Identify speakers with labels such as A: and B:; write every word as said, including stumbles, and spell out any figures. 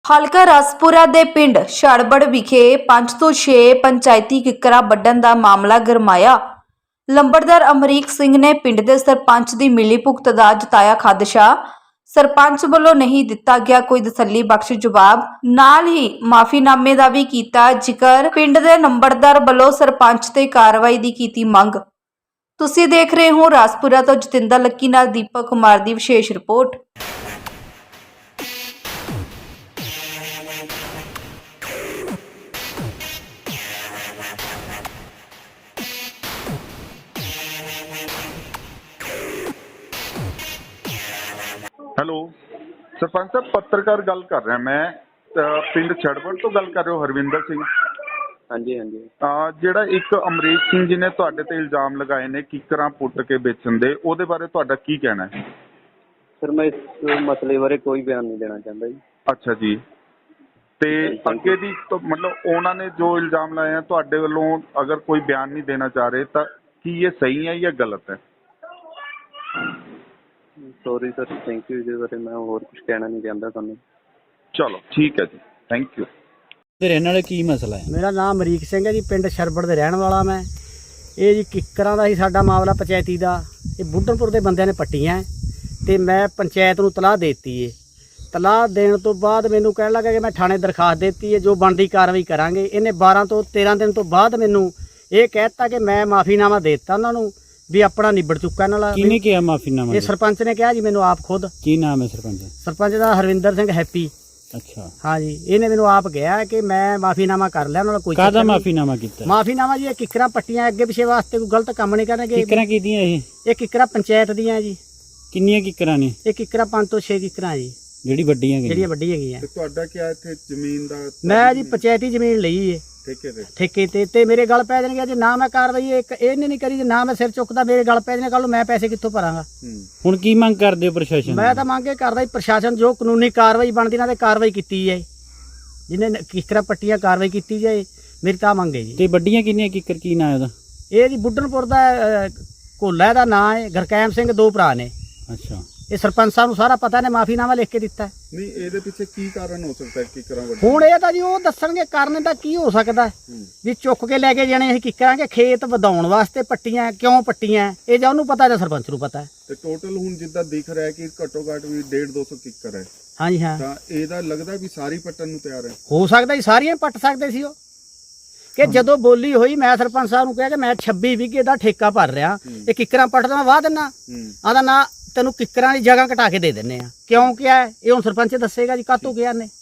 A: ਹਲਕਾ ਰਸਪੁਰਾ ਦੇ ਪਿੰਡ ਛੜਬੜ ਵਿਖੇ ਪੰਜ ਤੋਂ ਛੇ ਪੰਚਾਇਤੀ ਕਿੱਕਰਾਂ ਵੱਢਣ ਦਾ ਮਾਮਲਾ ਗਰਮਾਇਆ। ਲੰਬੜਦਾਰ ਅਮਰੀਕ ਸਿੰਘ ਨੇ ਪਿੰਡ ਦੇ ਸਰਪੰਚ ਦੀ ਮਿਲੀਭੁਗਤ ਦਾ ਜਤਾਇਆ ਖਦਸ਼ਾ। ਸਰਪੰਚ ਵੱਲੋਂ ਨਹੀਂ ਦਿੱਤਾ ਗਿਆ ਕੋਈ ਤਸੱਲੀ ਬਖਸ਼ ਜਵਾਬ, ਨਾਲ ਹੀ ਮਾਫੀਨਾਮੇ ਦਾ ਵੀ ਕੀਤਾ ਜ਼ਿਕਰ। ਪਿੰਡ ਦੇ ਲੰਬੜਦਾਰ ਵੱਲੋਂ ਸਰਪੰਚ ਤੇ ਕਾਰਵਾਈ ਦੀ ਕੀਤੀ ਮੰਗ। ਤੁਸੀਂ ਦੇਖ ਰਹੇ ਹੋ ਰਸਪੁਰਾ ਤੋਂ ਜਤਿੰਦਰ ਲੱਕੀ ਨਾਲ ਦੀਪਕ ਕੁਮਾਰ ਦੀ ਵਿਸ਼ੇਸ਼ ਰਿਪੋਰਟ।
B: ਹੈਲੋ ਸਰਪੰਚ ਸਾਹਿਬ, ਪੱਤਰਕਾਰ ਗੱਲ ਕਰ ਰਿਹਾ ਮੈਂ। ਅਹ ਪਿੰਡ ਛੜਬੜ ਤੋਂ ਗੱਲ ਕਰ ਰਹੇ ਹੋ? ਹਰਵਿੰਦਰ ਸਿੰਘ।
C: ਹਾਂਜੀ ਹਾਂਜੀ
B: ਅਹ ਜਿਹੜਾ ਇੱਕ ਅਮਰੀਕ ਸਿੰਘ ਜੀ ਨੇ ਤੁਹਾਡੇ ਤੇ ਇਲਜ਼ਾਮ ਲਗਾਏ ਨੇ ਕਿੱਕਰਾਂ ਪੁੱਟ ਕੇ ਵੇਚਣ ਦੇ, ਉਹਦੇ ਬਾਰੇ ਤੁਹਾਡਾ ਕੀ ਕਹਿਣਾ ਹੈ?
C: ਸਰ, ਮੈਂ ਇਸ ਮਸਲੇ ਬਾਰੇ ਕੋਈ ਬਿਆਨ ਨਹੀਂ ਦੇਣਾ ਚਾਹੁੰਦਾ ਜੀ।
B: ਅੱਛਾ ਜੀ, ਤੇ ਅੱਗੇ ਦੀ ਤਾਂ ਮਤਲਬ ਉਹਨਾਂ ਨੇ ਜੋ ਇਲਜ਼ਾਮ ਲਾਏ ਆ ਤੁਹਾਡੇ ਵੱਲੋਂ, ਅਗਰ ਕੋਈ ਬਿਆਨ ਨਹੀਂ ਦੇਣਾ ਚਾਹ ਰਹੇ ਤਾਂ ਕੀ ਇਹ ਸਹੀ ਹੈ ਜਾਂ ਗਲਤ ਹੈ?
C: Sorry sir, thank you. ਇਹਦੇ ਬਾਰੇ ਮੈਂ ਹੋਰ ਕੁਝ ਕਹਿਣਾ ਨਹੀਂ ਚਾਹੁੰਦਾ ਤੁਹਾਨੂੰ।
B: ਚਲੋ ਠੀਕ ਹੈ ਜੀ, ਥੈਂਕ ਯੂ।
D: ਤੇ ਰਹਿਣ ਵਾਲੇ ਕੀ ਮਸਲਾ ਹੈ?
E: ਮੇਰਾ ਨਾਮ ਅਮਰੀਕ ਸਿੰਘ ਹੈ ਜੀ, ਪਿੰਡ ਛੜਬੜ ਦੇ ਰਹਿਣ ਵਾਲਾ ਮੈਂ। ਇਹ ਜੀ ਕਿੱਕਰਾਂ ਦਾ ਹੀ ਸਾਡਾ ਮਾਮਲਾ ਪੰਚਾਇਤੀ ਦਾ। ਇਹ ਬੁੱਢਣਪੁਰ ਦੇ ਬੰਦਿਆਂ ਨੇ ਪੱਟੀਆਂ ਤੇ ਮੈਂ ਪੰਚਾਇਤ ਨੂੰ ਤਲਾਹ ਦੇ ਦਿੱਤੀ ਏ। ਤਲਾਹ ਦੇਣ ਤੋਂ ਬਾਅਦ ਮੈਨੂੰ ਕਹਿਣ ਲੱਗਾ ਕਿ ਮੈਂ ਥਾਣੇ ਦਰਖਾਸਤ ਦੇ ਦਿੱਤੀ ਹੈ, ਜੋ ਬਣਦੀ ਕਾਰਵਾਈ ਕਰਾਂਗੇ। ਇਹਨੇ ਬਾਰਾਂ ਤੋਂ ਤੇਰਾਂ ਦਿਨ ਤੋਂ ਬਾਅਦ ਮੈਨੂੰ ਇਹ ਕਹਿ ਦਿੱਤਾ ਕਿ ਮੈਂ ਮਾਫੀਨਾਮਾ ਦੇ ਦਿੱਤਾ ਉਹਨਾਂ ਨੂੰ ਵੀ ਆਪਣਾ ਨਿਬੜ ਚੁੱਕਾ ਇਹਨਾਂ ਨਾਲ।
D: ਕਿਹਨੇ ਕਿਹਾ ਮਾਫੀਨਾਮਾ?
E: ਇਹ ਸਰਪੰਚ ਨੇ ਕਿਹਾ ਜੀ ਮੈਨੂੰ ਆਪ ਖੁਦ।
D: ਕੀ ਨਾਮ ਹੈ ਸਰਪੰਚ?
E: ਸਰਪੰਚ ਦਾ ਹਰਵਿੰਦਰ ਸਿੰਘ ਹੈਪੀ।
D: ਅੱਛਾ,
E: ਹਾਂ ਜੀ, ਇਹਨੇ ਮੈਨੂੰ ਆਪ ਕਿਹਾ ਕਿ ਮੈਂ ਮਾਫੀਨਾਮਾ ਕਰ ਲਿਆ ਉਹਨਾਂ ਨਾਲ। ਕੋਈ
D: ਕਾਹਦਾ ਮਾਫੀਨਾਮਾ ਕੀਤਾ?
E: ਮਾਫੀਨਾਮਾ ਜੀ ਇਹ ਕਿੱਕਰਾਂ ਪੱਟੀਆਂ ਅੱਗੇ ਪਿਛੇ ਵਾਸਤੇ ਕੋਈ ਗਲਤ ਕੰਮ ਨਹੀਂ ਕਰਨਗੇ।
D: ਕਿੱਕਰਾਂ ਕੀਦੀਆਂ ਇਹ?
E: ਇਹ ਕਿੱਕਰਾਂ ਪੰਚਾਇਤ ਦੀਆਂ ਜੀ।
D: ਕਿੰਨੀਆਂ ਕਿੱਕਰਾਂ ਨੇ?
E: ਇਹ ਕਿੱਕਰਾਂ ਪੰਜ ਤੋਂ ਛੇ ਕਿੱਕਰਾਂ ਜੀ,
D: ਜਿਹੜੀ ਵੱਡੀਆਂ ਗਈਆਂ?
E: ਜਿਹੜੀਆਂ ਵੱਡੀਆਂ ਹੈਗੀਆਂ।
B: ਤੇ ਤੁਹਾਡਾ ਕੀ ਇੱਥੇ ਜ਼ਮੀਨ ਦਾ?
E: ਮੈਂ ਜੀ ਪੰਚਾਇਤੀ ਜ਼ਮੀਨ ਲਈ ਏ
B: ਠੇਕੇ ਤੇ।
E: ਠੇਕੇ ਤੇ ਤੇ ਮੇਰੇ ਗੱਲ ਪੈ ਜਾਣਗੇ ਜੇ ਨਾ ਮੈਂ ਕਾਰਵਾਈ ਇੱਕ ਇਹਨੇ ਨਹੀਂ ਕਰੀ, ਜੇ ਨਾ ਮੈਂ ਸਿਰ ਚੁੱਕਦਾ ਮੇਰੇ ਗੱਲ ਪੈ ਜਾਣੇ। ਕੱਲ ਨੂੰ ਮੈਂ ਪੈਸੇ ਕਿੱਥੋਂ ਭਰਾਂਗਾ?
D: ਹੁਣ ਕੀ ਮੰਗ ਕਰਦੇ ਹੋ ਪ੍ਰਸ਼ਾਸਨ?
E: ਮੈਂ ਤਾਂ ਮੰਗ ਇਹ ਕਰਦਾ ਜੀ ਪ੍ਰਸ਼ਾਸਨ ਜੋ ਕਾਨੂੰਨੀ ਕਾਰਵਾਈ ਬਣਦੀ ਨਾ ਤੇ ਕਾਰਵਾਈ ਕੀਤੀ ਜਾਏ, ਜਿਹਨੇ ਕਿੱਕਰਾਂ ਪੱਟੀਆਂ ਕਾਰਵਾਈ ਕੀਤੀ ਜਾਏ, ਮੇਰੀ ਤਾਂ ਮੰਗ ਹੈ ਜੀ।
D: ਤੇ ਵੱਡੀਆਂ ਕਿੰਨੀਆਂ ਕਿੱਕਰ? ਕੀ ਨਾਂ ਉਹਦਾ?
E: ਇਹ ਜੀ ਬੁੱਢਣਪੁਰ ਦਾ ਅਹ, ਕੋਲਾ ਦਾ ਨਾਂ ਹੈ। ਗੁਰਕੈਮ ਸਿੰਘ ਦੋ ਭਰਾ ਨੇ।
D: ਅੱਛਾ,
E: ਇਹ ਸਰਪੰਚ ਸਾਹਿਬ ਨੂੰ ਸਾਰਾ ਪਤਾ ਨੇ, ਮਾਫੀਨਾਮਾ ਲਿਖ ਕੇ ਦਿੱਤਾ।
B: ਨਹੀਂ, ਇਹਦੇ ਪਿੱਛੇ ਕੀ ਕਾਰਨ ਹੋ ਸਕਦਾ ਹੈ ਕਿੱਕਰਾਂ ਵੱਢਣ?
E: ਹੁਣ ਇਹ ਤਾਂ ਜੀ ਉਹ ਦੱਸਣਗੇ ਕਾਰਨ ਦਾ ਕੀ ਹੋ ਸਕਦਾ ਵੀ ਚੁੱਕ ਕੇ ਲੈ ਕੇ ਜਾਣੇ ਅਸੀਂ ਕਿੱਕਰਾਂਗੇ ਖੇਤ ਵਧਾਉਣ ਵਾਸਤੇ ਪੱਟੀਆਂ, ਕਿਉਂ ਪੱਟੀਆਂ ਇਹ ਜਾਂ ਉਹਨੂੰ ਪਤਾ ਜਾਂ ਸਰਪੰਚ ਨੂੰ ਪਤਾ।
B: ਤੇ ਟੋਟਲ ਹੁਣ ਜਿੱਦਾਂ ਦਿਖ ਰਿਹਾ ਕਿ ਘੱਟੋ ਘੱਟ ਵੀ ਡੇਢ ਦੋ ਸੌ ਕਿੱਕਰ ਹੈ।
E: ਹਾਂਜੀ ਹਾਂ,
B: ਤਾਂ ਇਹਦਾ ਲੱਗਦਾ ਵੀ ਸਾਰੀ ਪੱਟਣ ਨੂੰ ਤਿਆਰ ਹੈ।
E: ਹੋ ਸਕਦਾ ਜੀ ਸਾਰੀਆਂ ਪੱਟ ਸਕਦੇ ਸੀ ਉਹ। ਕਿ ਜਦੋਂ ਬੋਲੀ ਹੋਈ ਮੈਂ ਸਰਪੰਚ ਸਾਹਿਬ ਨੂੰ ਕਿਹਾ ਕਿ ਮੈਂ ਛੱਬੀ ਵਿਗੇ ਦਾ ਠੇਕਾ ਭਰ ਰਿਹਾ, ਇਹ ਕਿੱਕਰਾਂ ਪੱਟਦਾ ਮੈਂ ਵਾਹ ਦਿੰਨਾ। ਆਦਾ ਨਾ ਤੈਨੂੰ ਕਿੱਕਰਾਂ ਦੀ ਜਗ੍ਹਾ ਘਟਾ ਕੇ ਦੇ ਦਿੰਨੇ ਆ। ਕਿਉਂ ਕਿਹਾ ਇਹ ਹੁਣ ਸਰਪੰਚ ਦੱਸੇਗਾ ਜੀ ਕਾਹਤੋਂ ਕਿਹਾ ਨੇ।